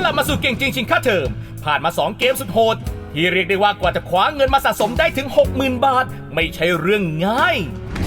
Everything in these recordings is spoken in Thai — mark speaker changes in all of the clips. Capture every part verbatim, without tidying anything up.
Speaker 1: ลับมาสู่เก่งจริงชิงค่าเทอมผ่านมาสองเกมสุดโหดที่เรียกได้ว่ากว่าจะคว้าเงินมาสะสมได้ถึง หกหมื่น บาทไม่ใช่เรื่องง่าย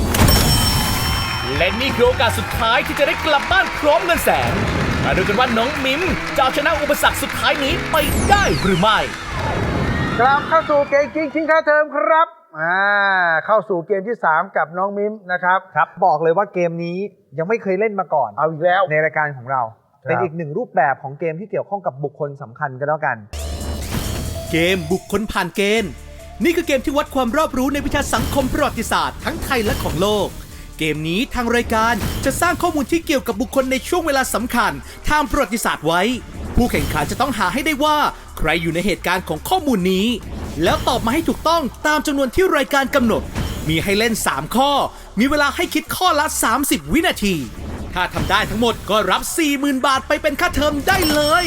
Speaker 1: และนี่คือโอกาสสุดท้ายที่จะได้กลับบ้านพร้อมเงินแสนมาดูกันว่าน้องมิมจะเอาชนะอุปสรรคสุดท้ายนี้ไปได้หรือไม่
Speaker 2: กลับเข้าสู่เกมจริงชิงค่าเทอมครับอ่าเข้าสู่เกมที่สามกับน้องมิมนะครับ
Speaker 3: ครับบอกเลยว่าเกมนี้ยังไม่เคยเล่นมาก่อน
Speaker 2: เอาอีกแล้ว
Speaker 3: ในรายการของเราเป็นอีกหนึ่งรูปแบบของเกมที่เกี่ยวข้องกับบุคคลสำคัญกันแล้วกัน
Speaker 4: เกมบุคคลผ่านเกณฑ์นี่คือเกมที่วัดความรอบรู้ในวิชาสังคมประวัติศาสตร์ทั้งไทยและของโลกเกมนี้ทางรายการจะสร้างข้อมูลที่เกี่ยวกับบุคคลในช่วงเวลาสำคัญทางประวัติศาสตร์ไว้ผู้แข่งขันจะต้องหาให้ได้ว่าใครอยู่ในเหตุการณ์ของข้อมูลนี้แล้วตอบมาให้ถูกต้องตามจำนวนที่รายการกำหนดมีให้เล่นสามข้อมีเวลาให้คิดข้อละสามสิบวินาทีถ้าทำได้ทั้งหมดก็รับ สี่หมื่น บาทไปเป็นค่าเทอมได้เลย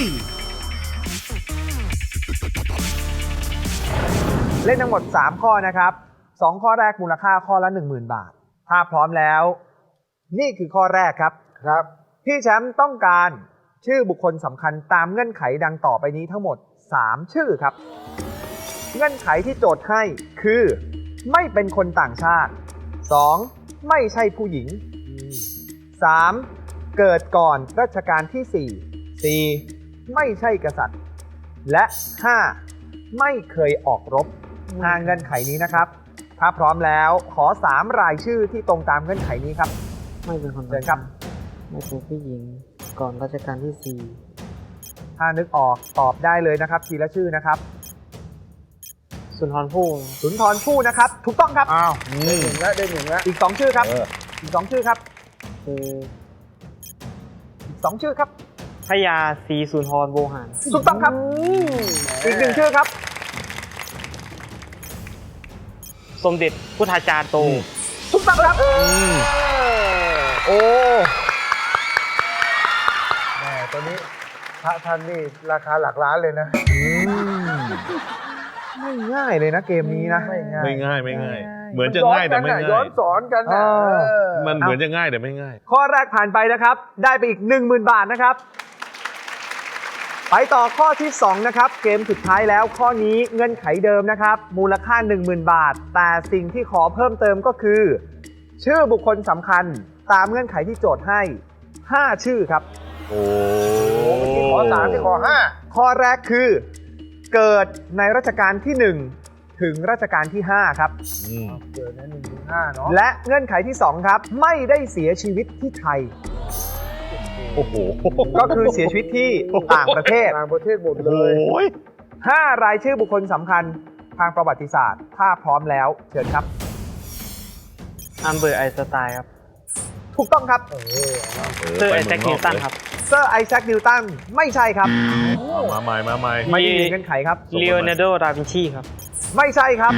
Speaker 3: เล่นทั้งหมดสามข้อนะครับสองข้อแรกมูลค่าข้อละ หนึ่งหมื่น บาทถ้าพร้อมแล้วนี่คือข้อแรกครับ
Speaker 2: ครับ
Speaker 3: พี่แชมป์ต้องการชื่อบุคคลสำคัญตามเงื่อนไขดังต่อไปนี้ทั้งหมดสามชื่อครับเงื่อนไขที่โจทย์ให้คือไม่เป็นคนต่างชาติสองไม่ใช่ผู้หญิงสามเกิดก่อนรัชกาลที่สี่ สี่ไม่ใช่กษัตริย์และห้าไม่เคยออกรบห้าเงื่อนไขนี้นะครับถ้าพร้อมแล้วขอสามรายชื่อที่ตรงตามเงื่อนไขนี้ครับ
Speaker 5: ไม่เป็นคน
Speaker 3: เชิญครับ
Speaker 5: ไม่เป็นผู้หญิงก่อนรัชกาลที่สี่
Speaker 3: ถ้านึกออกตอบได้เลยนะครับทีละชื่อนะครับ
Speaker 5: สุนทรภู่
Speaker 3: สุนทรภู่นะครับถูกต้องครับ
Speaker 2: อ้าวได้หนึ่งแล้วได้หนึ่งแล้ว
Speaker 3: อีกสองชื่อครับอีกสองชื่อครับ
Speaker 5: คือ
Speaker 3: อีกสองชื่อครับ
Speaker 5: พญาศรีสุนทรโวหาร
Speaker 3: ถูกต้องครับอีกหนึ่งชื่อครับ
Speaker 5: สมเด็จพุทธาจารย์โต
Speaker 3: ถูกต้องครับโอ้
Speaker 2: แม่ตัวนี้พระท่านนี่ราคาหลักล้านเลยนะ
Speaker 3: ไม่ง่ายเลยนะเกมนี้นะ
Speaker 2: ไม่ง่าย
Speaker 6: ไม่ง่ายไม่ง่ายเหมือนจะง่ายแต่ไม่ง่าย
Speaker 2: ย้อนสอนกันนะ
Speaker 6: มันเหมือนจะง่ายแต่ไม่ง่าย
Speaker 3: ข้อแรกผ่านไปนะครับได้ไปอีก หนึ่งหมื่น บาทนะครับไปต่อข้อที่สองนะครับเกมสุดท้ายแล้วข้อนี้เงื่อนไขเดิมนะครับมูลค่า หนึ่งหมื่น บาทแต่สิ่งที่ขอเพิ่มเติมก็คือชื่อบุคคลสำคัญตามเงื่อนไขที่โจทย์ให้ห้าชื่อครับ
Speaker 6: โอ้
Speaker 2: เมื่อกี้ขอสามที่ขอห้า
Speaker 3: ข้อแรกคือเกิดในรัชกาลที่หนึ่งถึงรัชกาลที่ห้าครับ
Speaker 2: เกิดในหนึ่งถึงห้าเนาะ
Speaker 3: และเงื่อนไขที่สองครับไม่ได้เสียชีวิตที่ไทย
Speaker 6: โอ้โห
Speaker 3: ก็คือเสียชีวิตที่ต่างประเทศ
Speaker 2: ต่างประเทศหมดเลย
Speaker 3: ห้ารายชื่อบุคคลสำคัญทางประวัติศาสตร์ถ้าพร้อมแล้วเชิญครับ
Speaker 5: อัลเบิร์ตไอน์สไตน์ครับ
Speaker 3: ถูกต้องครับ
Speaker 5: เซอร์ไอแซคนิวตันครับ
Speaker 3: เซอร์ไอแซคนิวตันไม่ใช่ครับ
Speaker 6: มาใหม่มาใหม่
Speaker 3: ไม่มีเงื่อนไขครับ
Speaker 5: ลีโอนาร์โด ดาวินชีครับ
Speaker 3: ไม่ใช่ครับ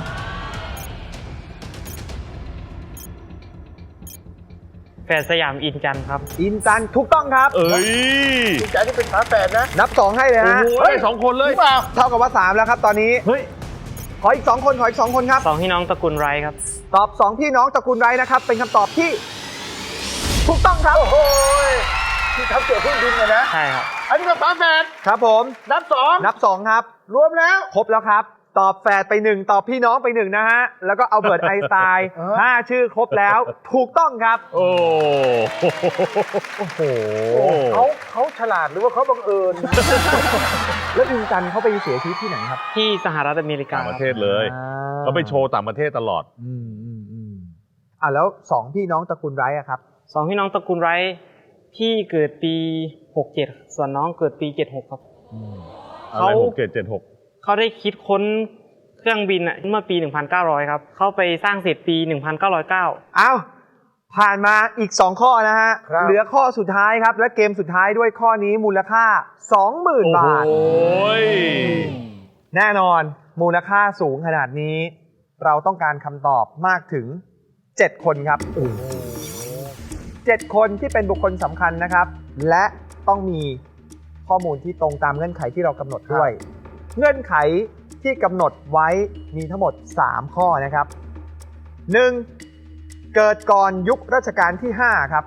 Speaker 5: แฝดสยามอินจันครับ
Speaker 3: อินจันถูกต้องครับ
Speaker 6: เอ้ย
Speaker 2: อินจันที่เป็นฝาแฝดนะ
Speaker 3: นับสองให้เลยฮะ
Speaker 6: เฮ้ยสองคนเลย
Speaker 3: เท่ากับว่าสามแล้วครับตอนนี้เฮ้ยขออีกสองคนขออีกสองคนครับ
Speaker 5: สองพี่น้องตระกูลไรครับ
Speaker 3: ตอบสองพี่น้องตระกูลไรนะครับเป็นคำตอบที่ถูกต้องครับ
Speaker 2: โอ้โหที่ทำเกี่ยวกับเครื่องบินนะ
Speaker 5: ใช่ครับ
Speaker 2: อันนี้ก็ฝาแฝด
Speaker 3: ครับผม
Speaker 2: นับสอง
Speaker 3: นับสองครับ
Speaker 2: รวมแล้ว
Speaker 3: ครบแล้วครับตอบแฝดไปหนึ่งตอบพี่น้องไปหนึ่งนะฮะแล้วก็อัลเบิร์ตไอน์สไตน์ห้าชื่อครบแล้วถูกต้องครับ
Speaker 6: โอ้
Speaker 3: โอ้โห
Speaker 2: เขาเขาฉลาดหรือว่าเขาบังเอิญ
Speaker 3: แล้วอินจันเขาไปเสียชีวิตที่ไหนครับ
Speaker 5: ที่สหรัฐอเมริกา
Speaker 6: ต่างประเทศเลยเขาไปโชว์ต่างประเทศตลอด
Speaker 3: อืมอืมอืมอ่ะแล้วสองพี่น้องตระกูลไรอะครับ
Speaker 5: สองพี่น้องตระกูลไรพี่เกิดปีหกเจ็ดส่วนน้องเกิดปีเจ็ดหกครับ
Speaker 6: เขาหกเจ็ดเจ็ดหก
Speaker 5: เขาได้คิดค้นเครื่องบินอ่ะเมื่อปีหนึ่งพันเก้าร้อยครับเขาไปสร้างเสร็จปีหนึ่งพันเก้าร้อยเก้า
Speaker 3: อ้าวผ่านมาอีกสองข้อนะฮะเหลือข้อสุดท้ายครับและเกมสุดท้ายด้วยข้อนี้มูลค่า สองหมื่น บาท
Speaker 6: โอ้ย
Speaker 3: แน่นอนมูลค่าสูงขนาดนี้เราต้องการคำตอบมากถึงเจ็ดคนครับเจ็ดคนที่เป็นบุคคลสำคัญนะครับและต้องมีข้อมูลที่ตรงตามเงื่อนไขที่เรากำหนดด้วยเงื่อนไขที่กำหนดไว้มีทั้งหมดสามข้อนะครับหนึ่งเกิดก่อนยุครัชกาลที่ห้าครับ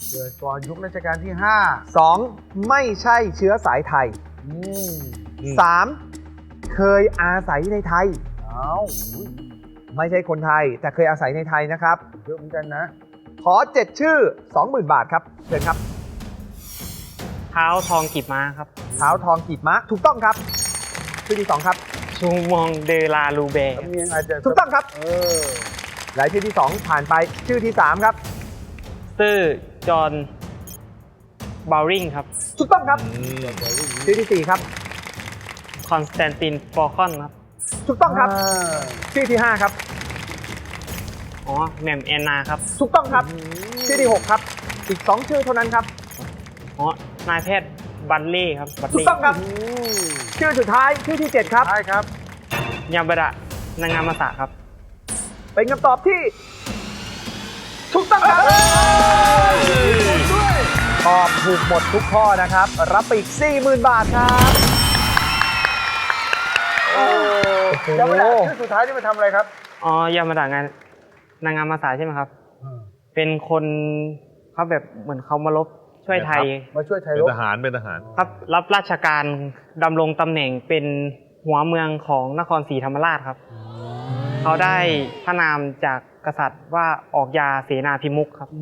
Speaker 2: เกิดก่อนยุครัชกาลที่ห้า
Speaker 3: สอง ไม่ใช่เชื้อสายไทย
Speaker 2: อืม
Speaker 3: สาม เคยอาศัยในไทย
Speaker 2: เอาอุ๊ย
Speaker 3: ไม่ใช่คนไทย แต่เคยอาศัยในไทยนะครับ
Speaker 2: เยอะเหมือนกันนะ
Speaker 3: ขอเจ็ดชื่อ สองหมื่น บาทครับเชิญครับ
Speaker 5: เท้าทองกีบม้าครับ
Speaker 3: เท้าทองกีบม้าถูกต้องครับ ชื่อที่สองครับ
Speaker 5: ชูมองเดลาลูแบร์
Speaker 2: สำเนียงอาจจะ
Speaker 3: ถูกต้องครับ
Speaker 2: เออ
Speaker 3: และชื่อที่สองผ่านไปชื่อที่สามครับ
Speaker 5: ซื่อจอห์นบาวริงครับ
Speaker 3: ถูกต้องครับ ชื่อที่สี่ครับ
Speaker 5: คอนสแตนตินฟอร์คอนครับ
Speaker 3: ถูกต้องครับ
Speaker 2: อ่า
Speaker 3: ชื่อที่ห้าครับ
Speaker 5: อ๋อแหม่มแอนนาครับ
Speaker 3: ถูกต้องครับ ชื่อที่หกครับ อีกสองชื่อเท่านั้นครับ
Speaker 5: อ๋อนายแพทย์บันเล่ครับบัน
Speaker 3: ถูก
Speaker 5: เล่
Speaker 3: ต้องครับ ชื่อสุดท้ายชื่อที่เจ็ดครับ
Speaker 2: ใช่ครับ
Speaker 5: ยาบดะนางงามาสะครับ
Speaker 3: เป็นคำตอบที่ถูกต้องครับตอบถูกหมดทุกข้อนะครับ รับไปอีก สี่หมื่น บาทครับ
Speaker 2: โอ้ยังไม่ได้ชื่อสุดท้ายที่มาทำอะไรครับ
Speaker 5: อ๋อยามาดะงานนางงามาสะใช่ไหมครับ เป็นคนเขาแบบเหมือนเขามาลบช่วยไทย
Speaker 2: มาช่วยไทย
Speaker 6: เป็น
Speaker 2: รบ
Speaker 6: ทหารเป็นทหาร
Speaker 5: ครับรับราชการดำรงตำแหน่งเป็นหัวเมืองของนครศรีธรรมราชครับ เขาได้พระนามจากกษัตริย์ว่าออกยาเสนาพิมุขครับ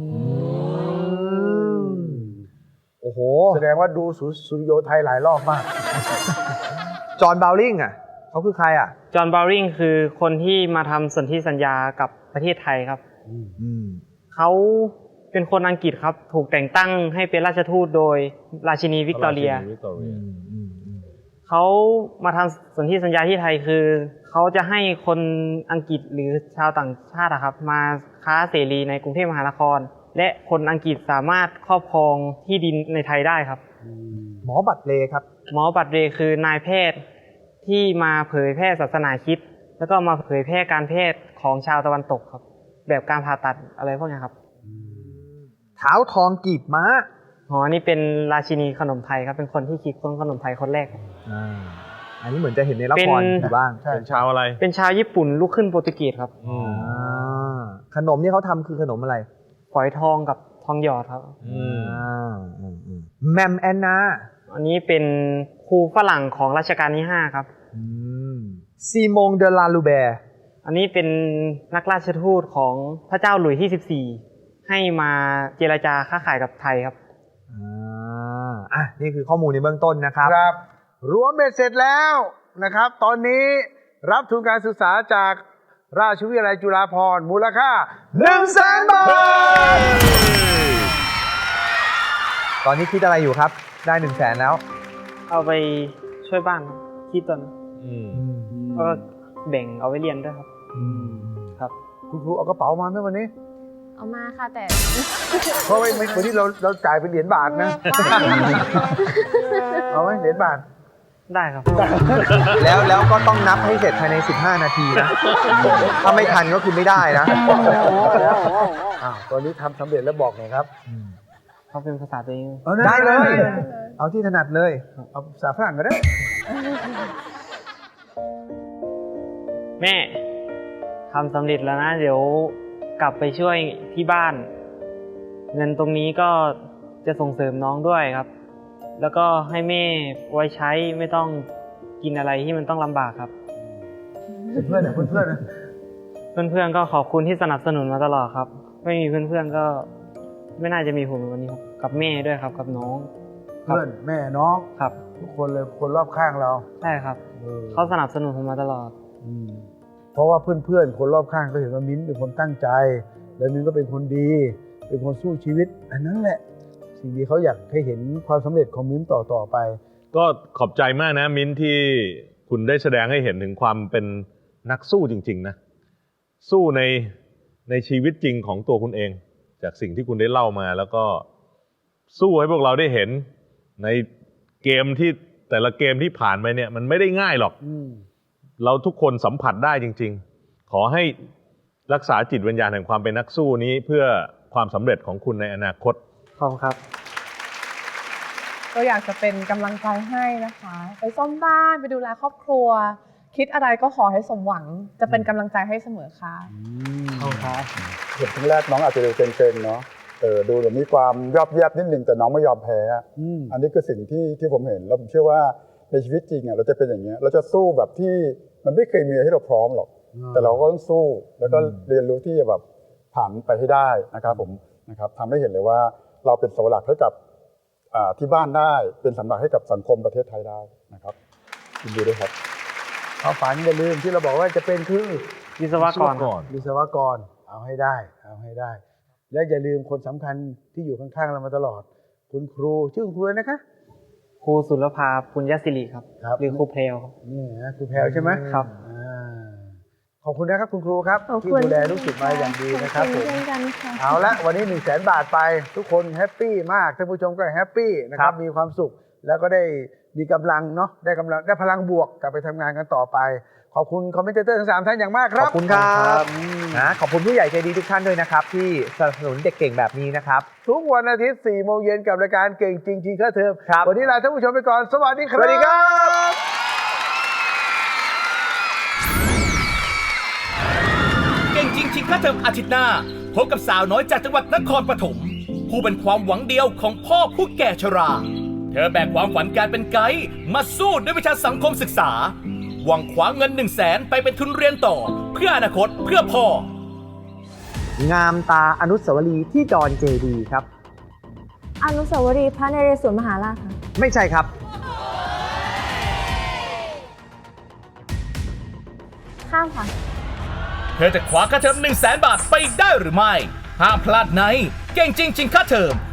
Speaker 3: โอ้โห
Speaker 2: แสดงว่าดูสุสุริโยไทยหลายรอบมาก
Speaker 3: จอห์นบาวลิงอ่ะเขาคือใครอ่ะ
Speaker 5: จอห์นบาวริงคือคนที่มาทำสนธิสัญญากับประเทศไทยครับ เขาเป็นคนอังกฤษครับ ถูกแต่งตั้งให้เป็นราชทูตโดยราชินีวิกตอเรีย
Speaker 6: วิกตอเรีย
Speaker 5: เขามาทำสนธิสัญญาที่ไทยคือ เขาจะให้คนอังกฤษหรือชาวต่างชาติอะครับ มาค้าเสรีในกรุงเทพมหานคร และคนอังกฤษสามารถครอบครองที่ดินในไทยได้ครับ
Speaker 3: หมอบัตรเลครับ
Speaker 5: หมอบัตรเรย์คือนายแพทย์ที่มาเผยแพร่ศาสนาคริสต์แล้วก็มาเผยแพร่การแพทย์ของชาวตะวันตกครับ แบบการผ่าตัดอะไรพวกนี้ครับ
Speaker 3: เท้าทองกีบม้า
Speaker 5: อ๋อนี่เป็นราชินีขนมไทยครับ เป็นคนที่คิดค้นขนมไทยคนแรกครับ
Speaker 3: อันนี้เหมือนจะเห็นในละคร
Speaker 5: เป็น
Speaker 3: อยู่บ้าง
Speaker 2: ใช่
Speaker 6: เป็นชาวอะไร
Speaker 5: เป็นชาวญี่ปุ่นลูกครึ่งโปรตุเกสครับ
Speaker 6: อืม
Speaker 3: อ่าขนมที่เขาทำคือขนมอะไร
Speaker 5: ฝอยทองกับทองหยอดครับ
Speaker 6: อืม
Speaker 3: อ่าอืมอืมแมมแอนนา
Speaker 5: อันนี้เป็นครูฝรั่งของรัชกาลที่ห้าครับ
Speaker 3: ซีมงเดลาลูแบร์
Speaker 5: อันนี้เป็นนักราชทูตของพระเจ้าหลุยส์ที่สิบสี่ให้มาเจรจาค้าขายกับไทยครับ
Speaker 3: อ่าอ่ะนี่คือข้อมูลในเบื้องต้นนะครับ
Speaker 2: ครับ รวมเบ็ดเสร็จแล้วนะครับ ตอนนี้รับทุนการศึกษาจากราชวิทยาลัยจุฬาภรณ์มูลค่า
Speaker 3: หนึ่งแสนบาท ตอนนี้คิดอะไรอยู่ครับ ได้หนึ่งแสนแล้ว
Speaker 5: เอาไปช่วยบ้านครับที่ตน
Speaker 6: อืม
Speaker 5: ก็แบ่งเอาไว้เรียนด้วยครับ ครับ
Speaker 2: คุณครูเอากระเป๋ามาไหมวันนี้
Speaker 7: เอามาค่ะแต่
Speaker 2: เพราะว่าวันนี้เราเราจ่ายเป็นเหรียญบาทนะ เอาไหมเหรียญบาท
Speaker 5: ได้ครับ
Speaker 3: แล้วแล้วก็ต้องนับให้เสร็จภายในสิบห้านาทีนะ ถ้าไม่ทันก็คือไม่ได้นะ
Speaker 2: อ้าวตอนนี้ทำสำเร็จแล้วบอกหน่อยครับ
Speaker 5: เขาเป็นภาษาตัวเอง
Speaker 2: อา
Speaker 3: ได้เลย
Speaker 2: ได้
Speaker 3: เอาที่ถนัดเลย
Speaker 2: เอาภาษาฝรั่งก็ได้
Speaker 5: แม่ทำสำเร็จแล้วนะ เดี๋ยวกลับไปช่วยที่บ้าน เงินตรงนี้ก็จะส่งเสริมน้องด้วยครับ แล้วก็ให้แม่ไว้ใช้ไม่ต้องกินอะไรที่มันต้องลำบากครับ
Speaker 2: เพื่อนๆนะเพื่อนๆนะ
Speaker 5: เพื่อนๆก็ขอบคุณที่สนับสนุนมาตลอดครับ ไม่มีเพื่อนๆก็ไม่น่าจะมีผมในวันนี้ครับกับแม่ด้วยครับกับน้องครับ
Speaker 2: เพื่อนแม่น้อง
Speaker 5: ครับ
Speaker 2: ทุกคนเลยคนรอบข้างเรา
Speaker 5: ใช่ครับ
Speaker 2: เออ
Speaker 5: เขาสนับสนุนผมมาตลอด
Speaker 2: อืมเพราะว่าเพื่อนๆคนรอบข้างก็เห็นว่ามิ้นเป็นคนตั้งใจ แล้วมิ้นก็เป็นคนดี เป็นคนสู้ชีวิต อันนั้นแหละ สิ่งที่เขาอยากให้เห็นความสำเร็จของมิ้นต่อต่อๆไป
Speaker 6: ก็ขอบใจมากนะมิ้นที่คุณได้แสดงให้เห็นถึงความเป็นนักสู้จริงๆนะสู้ในในชีวิตจริงของตัวคุณเอง จากสิ่งที่คุณได้เล่ามา แล้วก็สู้ให้พวกเราได้เห็นในเกมที่แต่ละเกมที่ผ่านไปเนี่ยมันไม่ได้ง่ายหรอก
Speaker 2: อืม
Speaker 6: เราทุกคนสัมผัสได้จริงๆ ขอให้รักษาจิตวิญญาณแห่งความเป็นนักสู้นี้เพื่อความสำเร็จของคุณในอนาคต
Speaker 5: ขอบคุณครับ
Speaker 8: ก็อยากจะเป็นกำลังใจให้นะคะ ไปซ่อมบ้านไปดูแลครอบครัว คิดอะไรก็ขอให้สมหวัง จะเป็นกำลังใจให้เสมอค่ะ
Speaker 5: ขอบคุณครับ
Speaker 2: เห็นครั้งแรกน้องอาจจะดูเซนๆเนาะ
Speaker 7: เออดูแบบมีความยอบแยบนิดนึงแต่น้องไม่ยอมแพ้
Speaker 2: อืม
Speaker 7: อันนี้คือสิ่งที่ที่ผมเห็นแล้วผมเชื่อว่าในชีวิตจริงอ่ะเราจะเป็นอย่างเงี้ยเราจะสู้แบบที่มันไม่เคยมีอะไรให้เราพร้อมหรอก แต่เราก็ต้องสู้แล้วก็เรียนรู้ที่จะแบบผ่านไปให้ได้นะครับผมนะครับทำให้เห็นเลยว่าเราเป็นเสาหลักให้กับอ่าที่บ้านได้เป็นเสาหลักให้กับสังคมประเทศไทยได้นะครับยินดีด้วยครับ
Speaker 2: ความฝันอย่าลืมที่เราบอกว่าจะเป็นคือ
Speaker 5: วิศวกรครับ
Speaker 2: วิศวกรเอาให้ได้เอาให้ได้ และอย่าลืมคนสำคัญที่อยู่ข้างๆเรามาตลอด คุณครูชื่อคุณครูอะไรนะคะ
Speaker 5: ครูสุรภาปุญญศิริครับ
Speaker 2: ครับ
Speaker 5: หรือครูเพลวครับ
Speaker 2: นี่นะครูแพรวใช่ไหม
Speaker 5: ครับ
Speaker 2: อ่าขอบคุณนะครับคุณครูครับ
Speaker 9: ขอบ
Speaker 2: ที่
Speaker 9: คุณ
Speaker 2: ดูแลลูกศิษย์มาอย่างดีนะครับ
Speaker 9: ขอ
Speaker 2: ผม
Speaker 9: เช่นกันค่ะ
Speaker 2: เอาละวันนี้หนึ่งแสนบาทไปทุกคนแฮปปี้มากท่านผู้ชมก็แฮปปี้นะครับมีความสุขแล้วก็ได้มีกำลังเนาะได้กำลังได้พลังบวกกลับไปทำงานกันต่อไป ขอบคุณคอมเมนเตอร์ทั้งสามท่านอย่างมากค
Speaker 3: ข
Speaker 2: รั
Speaker 3: อ
Speaker 2: บบ
Speaker 3: คุณครับ
Speaker 2: อืม
Speaker 3: นะขอบคุณผู้ใหญ่ใจดีทุกท่านด้วยนะครับ ที่สนับสนุนเด็กเก่งแบบนี้นะครับ
Speaker 2: ทุกวันอาทิตย์สี่โมงเย็นกับรายการเก่งจริงจริงค่าเทอม
Speaker 3: ครับ
Speaker 2: วันนี้ลาท่านผู้ชมไปก่อนสวัสดีครับ
Speaker 3: สวัสดีครับ
Speaker 1: เก่งจริงชิงค่าเทอมอาทิตย์หน้าพบกับสาวน้อยจากจังหวัดนครปฐมผู้เป็นความหวังเดียวของพ่อผู้แก่ชรา เธอแบกความฝันการเป็นไกด์มาสู้ด้วยวิชาสังคมศึกษา หวังคว้าเงินหนึ่งแสนไปเป็นทุนเรียนต่อ เพื่ออนาคตเพื่อพ่อ
Speaker 3: งามตาอนุสาวรีย์ที่ดอนเจดีย์ครับ
Speaker 9: อนุสาวรีย์พระนเรศวรมหาราชค่ะ
Speaker 3: ไม่ใช่ครับ
Speaker 9: ข้ามค่ะ
Speaker 1: เธอจะคว้าค่าเทอมหนึ่งแสนบาทไปได้หรือไม่ ห้ามพลาดในเก่งจริงชิงค่าเทอม